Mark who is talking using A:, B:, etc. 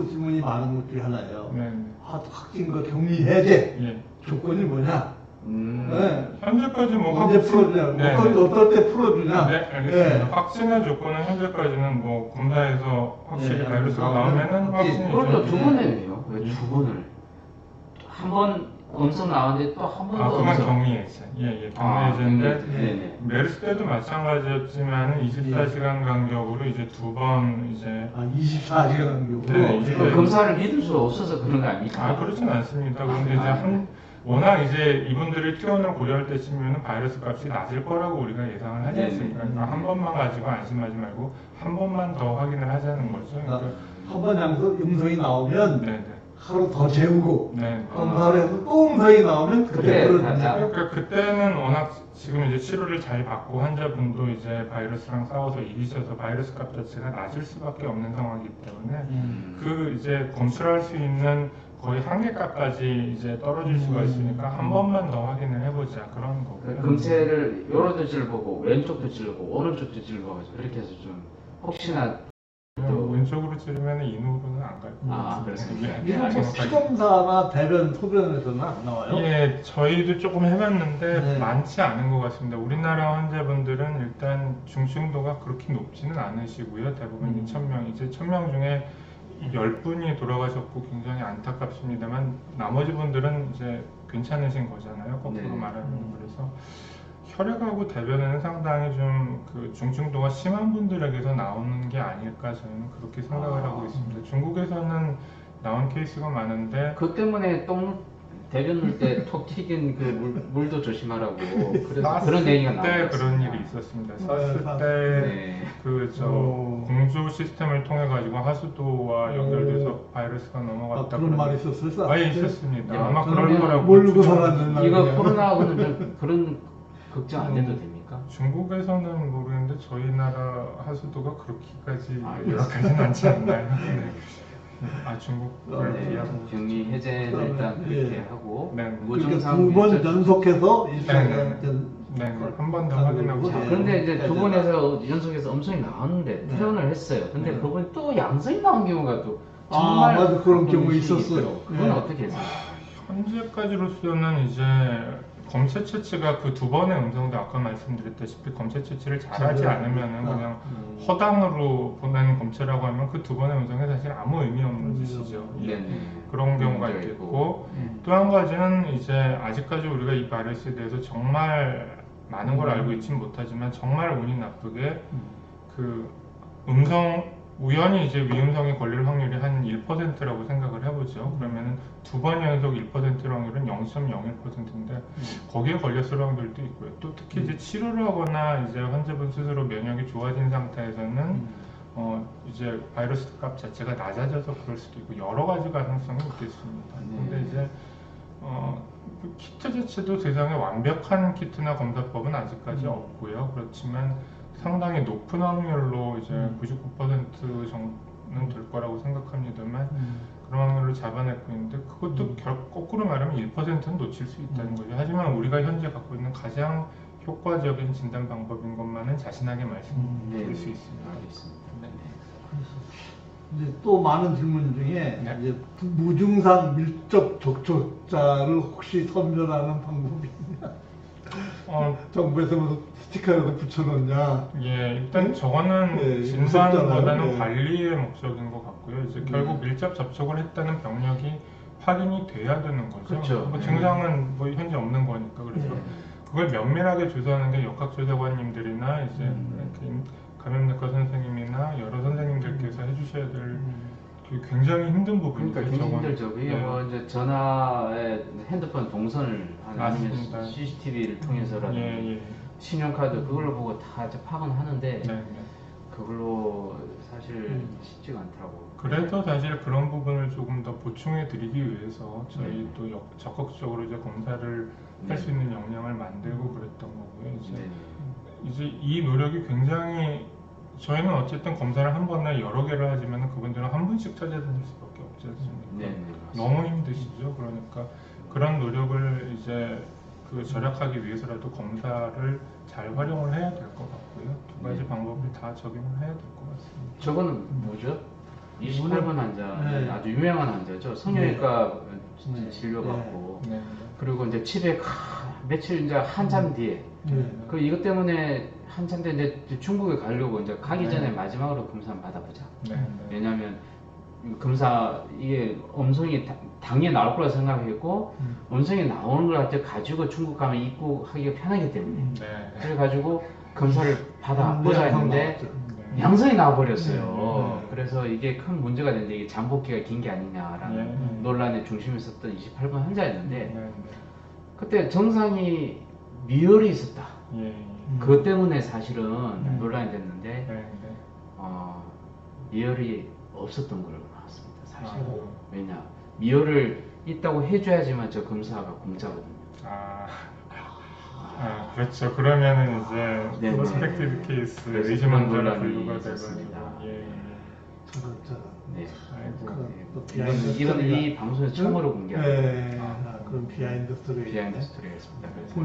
A: 또 질문이 많은 것 중에 하나예요.
B: 네.
A: 확진과 격리 해제
B: 예.
A: 조건이 뭐냐? 네.
B: 현재까지 뭐
A: 언제 풀어주냐?
B: 네.
A: 어떨 때 풀어주냐?
B: 네, 알겠습니다. 확진의 조건은 현재까지는 뭐 검사에서 확실히 바이러스가 나오면은 확진이죠.
C: 그걸 두 번을 해요. 왜 두 번을? 한 번 음성 나왔는데 또 한 번 더
B: 그건
C: 음성.
B: 격리해제. 예, 격리해제인데
C: 네네.
B: 메르스 때도 마찬가지였지만 24시간 간격으로 이제 두 번 이제
A: 24시간 간격으로.
B: 네,
C: 그 검사를 믿을 수 없어서 그런 거 아닙니까?
B: 그렇진 않습니다. 그런데 이제 워낙 이제 이분들이 퇴원을 고려할 때쯤이면 바이러스 값이 낮을 거라고 우리가 예상을 하지 않습니까? 그러니까 한 번만 가지고 안심하지 말고 한 번만 더 확인을 하자는 거죠. 그러니까
A: 한 번 음성이 나오면
B: 네네.
A: 하루 더 재우고
B: 네.
A: 검사를 해서 또 음성이 나오면 그때 풀어주냐?
B: 그러니까 그때는 워낙 지금 이제 치료를 잘 받고 환자분도 이제 바이러스랑 싸워서 이기셔서 바이러스 값 자체가 낮을 수밖에 없는 상황이기 때문에 그 이제 검출할 수 있는 거의 한계값까지 이제 떨어질 수가 있으니까 한 번만 더 확인을 해보자 그런 거고요.
C: 검체를 요런도 찔러보고 왼쪽도 찔러보고 오른쪽도 찔러보고 그렇게 해서 좀 혹시나
B: 왼쪽으로 찌르면 인후로는 안 갈 것 같습니다.
A: 이런 피검사나 대변, 소변에서는 안 나와요?
B: 예, 저희도 조금 해봤는데
A: 네.
B: 많지 않은 것 같습니다. 우리나라 환자분들은 일단 중증도가 그렇게 높지는 않으시고요. 대부분 2,000명, 이제 1,000명 중에 10분이 돌아가셨고 굉장히 안타깝습니다만 나머지 분들은 이제 괜찮으신 거잖아요. 거꾸로
C: 네.
B: 말하면. 그래서 혈액하고 대변에는 상당히 좀 그 중증도가 심한 분들에게서 나오는 게 아닐까 저는 그렇게 생각을 하고 있습니다. 중국에서는 나온 케이스가 많은데
C: 그 때문에 대변 넣을 때 톡 튀긴 그 물도 조심하라고 그래서 그런 얘기가
B: 때
C: 나왔어요.
B: 그런 일이 있었습니다. 사스
A: 네.
B: 때 그 저 공조 시스템을 통해 가지고 하수도와 연결돼서 바이러스가 넘어갔다.
A: 그런 말이 있었어요?
B: 있었습니다.
C: 야,
B: 아마 그럴
A: 저는
B: 거라고
A: 모르고
B: 추정을
A: 살았는데.
C: 이거 코로나하고는 좀 그런 걱정 안 해도 됩니까?
B: 중국에서는 모르겠는데 저희 나라 하수도가 그렇게까지
C: 아,
B: 열악하진 않지 않나요? 네. 중국을
C: 네,
B: 비하고
C: 격리 해제는 일단 그렇게
A: 예.
C: 하고
B: 네.
C: 무증상
A: 두 번
C: 밀접-
A: 연속해서
B: 네, 한 번 더 확인하고
C: 자,
A: 예.
C: 그런데 이제 두 번에서 연속해서 음성이 나왔는데 퇴원을 했어요. 근데 그분이 또 양성이 나온 경우가 또 정말
A: 맞아. 그런 경우
C: 가끔씩
A: 있었어요.
C: 있더라고요. 그건
A: 예.
C: 어떻게 해서요?
B: 현재까지로서는 이제 검체 채취가 그 두 번의 음성도 아까 말씀드렸다시피 검체 채취를 잘하지 않으면은 그냥 허당으로 보내는 검체라고 하면 그 두 번의 음성이 사실 아무 의미 없는 짓이죠. 예.
C: 네네.
B: 그런 경우가
C: 문제가
B: 있겠고 또 한 가지는 이제 아직까지 우리가 이 바이러스에 대해서 정말 많은 걸 알고 있지는 못하지만 정말 운이 나쁘게 그 우연히 이제 위음성에 걸릴 확률이 한 1%라고 생각을 해보죠. 그러면은 두 번 연속 1%의 확률은 0.01%인데 거기에 걸렸을 확률도 있고요. 또 특히 이제 치료를 하거나 이제 환자분 스스로 면역이 좋아진 상태에서는 이제 바이러스 값 자체가 낮아져서 그럴 수도 있고 여러 가지 가능성이 있겠습니다. 근데 이제 그 키트 자체도 세상에 완벽한 키트나 검사법은 아직까지 없고요. 그렇지만 상당히 높은 확률로 이제 99% 정도는 될 거라고 생각합니다만 그런 확률을 잡아내고 있는데 그것도 거꾸로 말하면 1%는 놓칠 수 있다는 거죠. 하지만 우리가 현재 갖고 있는 가장 효과적인 진단 방법인 것만은 자신하게 말씀드릴 수 있습니다.
C: 알겠습니다.
A: 이제 또 많은 질문 중에
B: 네.
A: 이제 무증상 밀접 접촉자를 혹시 선별하는 방법이 있냐? 정부에서 무슨 스티커라도 붙여놓냐?
B: 예, 일단 저거는
A: 예,
B: 진단보다는
A: 무섭잖아요. 예.
B: 관리의 목적인 것 같고요. 이제 결국 밀접 접촉을 했다는 병력이 확인이 돼야 되는 거죠.
C: 그렇죠.
B: 뭐 증상은 뭐 현재 없는 거니까 그래서 그걸 면밀하게 조사하는 게 역학조사관님들이나 이제 이렇게 감염내과 선생님이나 여러 선생님들께서 해주셔야 될 굉장히 힘든 부분이죠.
C: 그러니까 굉장히
B: 저건.
C: 힘들죠. 그게
B: 예.
C: 뭐 이제 전화에 핸드폰 동선을 아니면
B: 맞습니다.
C: CCTV를 통해서라든지
B: 예, 예.
C: 신용카드 그걸로 보고 다 이제 파악은 하는데
B: 네, 네.
C: 그걸로 사실 쉽지가 않더라고.
B: 그래서 사실 그런 부분을 조금 더 보충해 드리기 위해서 저희
C: 네.
B: 또 적극적으로 이제 검사를 할 수 있는 역량을 만들고 그랬던 거고요. 이제 이 노력이 굉장히 저희는 어쨌든 검사를 한 번에 여러 개를 하지만 그분들은 한 분씩 찾아다닐 수밖에 없지 않습니까?
C: 네,
B: 너무 힘드시죠. 그러니까 그런 노력을 이제 그 절약하기 위해서라도 검사를 잘 활용을 해야 될 것 같고요. 두 가지 방법을 다 적용을 해야 될 것 같습니다.
C: 저거는 뭐죠? 28번 환자는
A: 네.
C: 아주 유명한 환자죠. 성형외과
A: 네.
C: 진료받고
B: 네.
C: 그리고 이제 집에 며칠 이제 한참 뒤에 그 이것 때문에 한참 뒤에 이제 중국에 가려고 이제 가기 전에 마지막으로 검사 한번 받아보자.
B: 네.
C: 왜냐하면 검사 이게 음성이 당연히 나올 거라 생각했고 음성이 나오는 걸 가지고 중국 가면 입국하기가 편하기 때문에
B: 네.
C: 그래가지고 검사를 받아보자 했는데
B: 네.
C: 양성이 나와버렸어요. 그래서 이게 큰 문제가 됐는데 이게 잠복기가 긴 게 아니냐라는 논란의 중심에 있었던 28번 환자였는데
B: 네.
C: 그때 증상이 미열이 있었다.
B: 예.
C: 그것 때문에 사실은 논란이 됐는데
B: 네.
C: 미열이 없었던 걸로 나왔습니다. 사실.
B: 아.
C: 왜냐 미열을 있다고 해줘야지만 저 검사가 공짜거든요.
B: 그렇죠. 그러면은 이제
C: 네,
B: 프로스펙티브 케이스
C: 그래서
B: 의심
C: 그런
B: 환자로
C: 논란이
B: 분류가
C: 있었습니다.
B: 돼가지고
C: 네.
B: 아이고.
A: 또
C: 이건 이 방송에서 처음으로 공개합니다.
A: 그런 비하인드 스토리.
C: 비하인드 스토리가 있습니다. 그래서